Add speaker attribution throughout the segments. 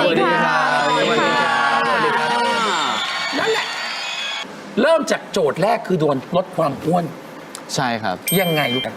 Speaker 1: วัสดีค่ะนั่นแหละเริ่มจากโจทย์แรกคือโดนลดความอ้วน
Speaker 2: ใช่ครับ
Speaker 1: ยังไงลูก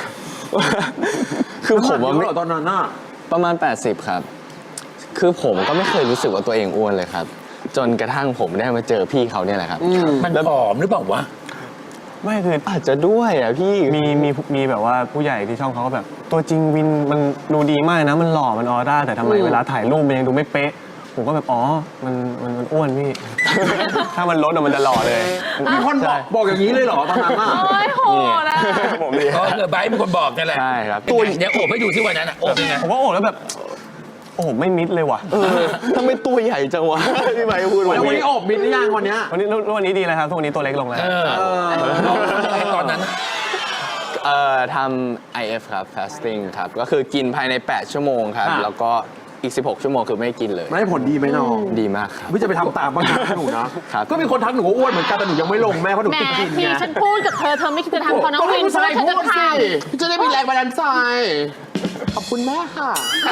Speaker 2: คือผมว่า
Speaker 3: ตอนนั้นน่ะ
Speaker 2: ประมาณ80ครับคือผมก็ไม่เคยรู้สึกว่าตัวเองอ้วนเลยครับจนกระทั่งผมได้มาเจอพี่เขาเนี่ยแหละครับ
Speaker 1: มันผอมหรือเปล่าวะ
Speaker 2: ไม่คืออาจจะด้วยอ่ะพี่
Speaker 4: มีแบบว่าผู้ใหญ่ที่ช่องเขาก็แบบตัวจริงวินมันดูดีมากนะมันหล่อมันออร่าแต่ทำไมเวลาถ่ายรูปมันยังดูไม่เป๊ะผมก็แบบอ๋อมันอ้วนพี่ ถ้ามันลดมันจะหล่อเลย
Speaker 3: มีคนบอกอย่างนี้เลยเหรอตอนนั้นอ่ะ
Speaker 5: โอ้ยโหนะ
Speaker 4: ผมนี่
Speaker 1: ไบร์ทเป็นคนบอกนั่นแหละ
Speaker 2: ใช่ครับ
Speaker 1: ตัวเดี๋ยวโอบให้ดูที่วันนั้นอ่ะโอบยังไง
Speaker 4: ผมว่าโอ้แล้วแบบโอ้ไม่มิดเลยว่ะ
Speaker 2: ทำไมตัวใหญ่จังวะพี่ใบพูด
Speaker 3: วันนี้อบมิดหรือยังวันนี้
Speaker 4: วันนี้ดีแล้วครับทุกวันนี้ตัวเล็กลงแล้ว
Speaker 1: ตอนนั้น
Speaker 2: ทำ IF ครับ fasting ครับก็คือกินภายใน8ชั่วโมงครับแล้วก็อีก16ชั่วโมงคือไม่กินเลย
Speaker 3: ไม่ผลดีไหมน้อง
Speaker 2: ดีมากครับ
Speaker 3: พี่จะไปทำตามบ้างนะหนูนะก็มีคนทักหนูว่าอ้วนเหมือนกันแต่หนูยังไม่ลงแม่เพราะหนูติดกินไง
Speaker 5: พี่ฉันพูดกับเธอไม่คิดจะทำเพราะน้องวินเพราะเธอจะทำ
Speaker 3: จะได้มีแรงบันดาลใจขอบคุณแม่ค่ะ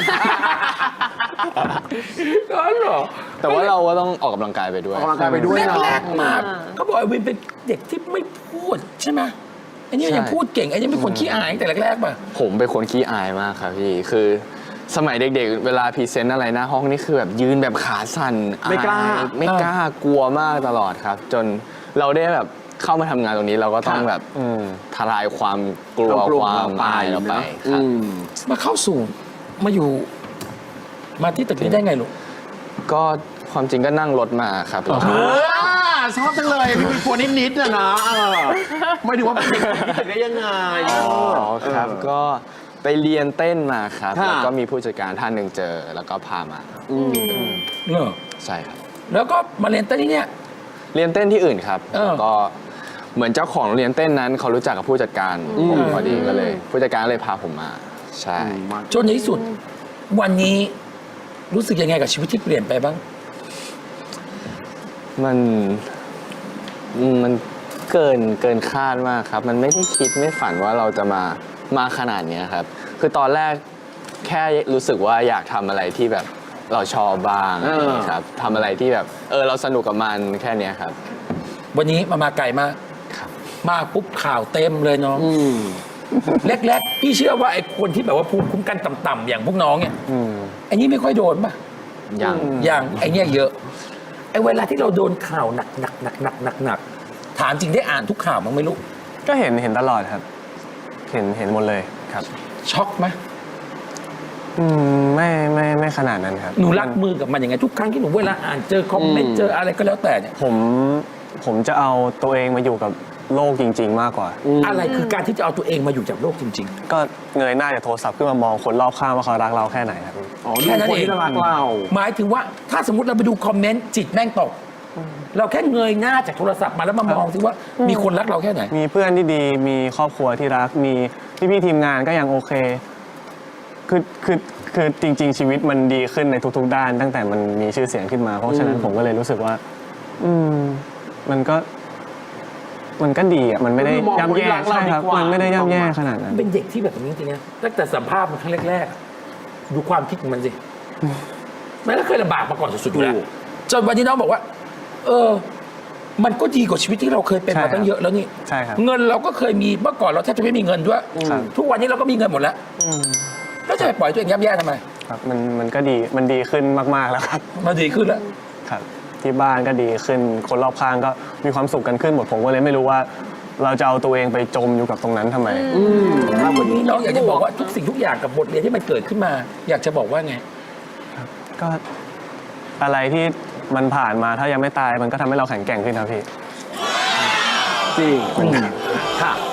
Speaker 1: ก็หรอ
Speaker 2: แต่ว่าเราก็ต้องออกกำลังกายไปด้วย
Speaker 3: ออกกำลังกายไปด้วย
Speaker 1: แรกมากเขาบอกไอ้วินเป็นเด็กที่ไม่พูดใช่ไหมไอ้นี่ยังพูดเก่งไอ้นี่เป็นคนขี้อายแต่แรกๆป่ะ
Speaker 2: ผมเป็นคนขี้อายมากครับพี่คือสมัยเด็กๆเวลาพรีเซนต์อะไรหน้าห้องนี่คือแบบยืนแบบขาสั่น
Speaker 3: ไม่กล้
Speaker 2: ากลัวมากตลอดครับจนเราได้แบบเข้ามาทำงานตรงนี้เราก็ต้องแบบทลายความกลัวความอายเราไปครับ
Speaker 1: มาเข้าสู่มาอยู่มาที่ตึกนี้ได้ไงลูก
Speaker 2: ก็ความจริงก็นั่งรถมาครับ
Speaker 3: ชอบจังเลยมีคนนิดๆนะไม่ถึงว่าเป็นตึกได้ยังไง
Speaker 2: ครับก็ไปเรียนเต้นมาครับแล้วก็มีผู้จัดการท่านหนึ่งเจอแล้วก็พามาใช่ครับ
Speaker 1: แล้วก็มาเรียนเต้นที่เนี่ย
Speaker 2: เรียนเต้นที่อื่นครับก็เหมือนเจ้าของโรงเรียนเต้นนั้นเขารู้จักกับผู้จัดการผมพอดีก็เลยผู้จัดการเลยพาผมมาใช่
Speaker 1: จนในที่สุดวันนี้รู้สึกยังไงกับชีวิตที่เปลี่ยนไปบ้าง
Speaker 2: มันเกินคาดมากครับมันไม่ได้คิดไม่ฝันว่าเราจะมาขนาดนี้ครับคือตอนแรกแค่รู้สึกว่าอยากทำอะไรที่แบบเราชอบบ้างครับทำอะไรที่แบบเราสนุกกับมันแค่นี้ครับ
Speaker 1: วันนี้มาไกลมากมาปุ๊บข่าวเต็มเลยน้องแรกๆพี่เชื่อว่าไอ้คนที่แบบว่าภูมิคุ้มกันต่ำๆอย่างพวกน้องเนี่ยไอ้นี่ไม่ค่อยโดนป่ะอย่างไอ้เนี่ยเยอะไอ้เวลาที่เราโดนข่าวหนักถามจริงได้อ่านทุกข่าวมั้งไม่รู้
Speaker 4: ก็เห็นตลอดครับเห็นหมดเลยครับ
Speaker 1: ช็อกไหม
Speaker 4: ไม่ขนาดนั้นครับ
Speaker 1: หนูรับมือกับมันยังไงทุกครั้งที่หนูเวลาอ่านเจอคอมเมนต์เจออะไรก็แล้วแต่เนี่ย
Speaker 4: ผมจะเอาตัวเองมาอยู่กับโลกจริงๆมากกว่า
Speaker 1: อะไรคือการที่จะเอาตัวเองมาอยู่กับโลกจริง
Speaker 4: ๆก็เงยหน้าจากโทรศัพท์ขึ้นมามองคนรอบข้างว่าเขารักเราแค่ไหนครับ
Speaker 1: แค่นั้นเองรักเราหมายถึงว่าถ้าสมมติเราไปดูคอมเมนต์จิตแม่งตกเราแค่เงยหน้าจากโทรศัพท์มาแล้วมามองสิว่ามีคนรักเราแค่ไหน
Speaker 4: มีเพื่อนที่ดีมีครอบครัวที่รักมีพี่ทีมงานก็ยังโอเคคือจริงๆชีวิตมันดีขึ้นในทุกๆด้านตั้งแต่มันมีชื่อเสียงขึ้นมาเพราะฉะนั้นผมก็เลยรู้สึกว่ามันก็ดีอ่ะมันไม่ได้ย่ำแย่ใช่ครับมันไม่ได้ย่ำแย่ขนาดนั้น
Speaker 1: เป็นเด็กที่แบบนี้จริงๆนะตั้งแต่สัมภาษณ์มันครั้งแรกๆดูความคิดของมันสิมันก็เคยลำบากมาก่อนสุดๆอยู่แล้วจนวันนี้น้องบอกว่ามันก็ดีกว่าชีวิตที่เราเคยเป็นมาตั้งเยอะแล้วนี่
Speaker 4: ใช่ครับ
Speaker 1: เงินเราก็เคยมีเมื่อก่อนเราแทบจะไม่มีเงินด้วยทุกวันนี้เราก็มีเงินหมดแล้วแล้วจะไปปล่อยตัวเองย่ำแย่ทำไม
Speaker 4: ครับมันก็ดีมันดีขึ้นมากๆแล้วครับ
Speaker 1: มันดีขึ้นแล้ว
Speaker 4: ครับที่บ้านก็ดีขึ้นคนรอบข้างก็มีความสุขกันขึ้นหมดผมก็เลยไม่รู้ว่าเราจะเอาตัวเองไปจมอยู่กับตรงนั้นทำไม
Speaker 1: ถ้าวันนี้น้องอยากจะบอกว่าทุกสิ่งทุกอย่างกับบทเรียนที่มันเกิดขึ้นมาอยากจะบอกว่าไง
Speaker 4: ก็อะไรที่มันผ่านมาถ้ายังไม่ตายมันก็ทำให้เราแข็งแกร่งขึ้นครับพี่
Speaker 3: จริงค่ะ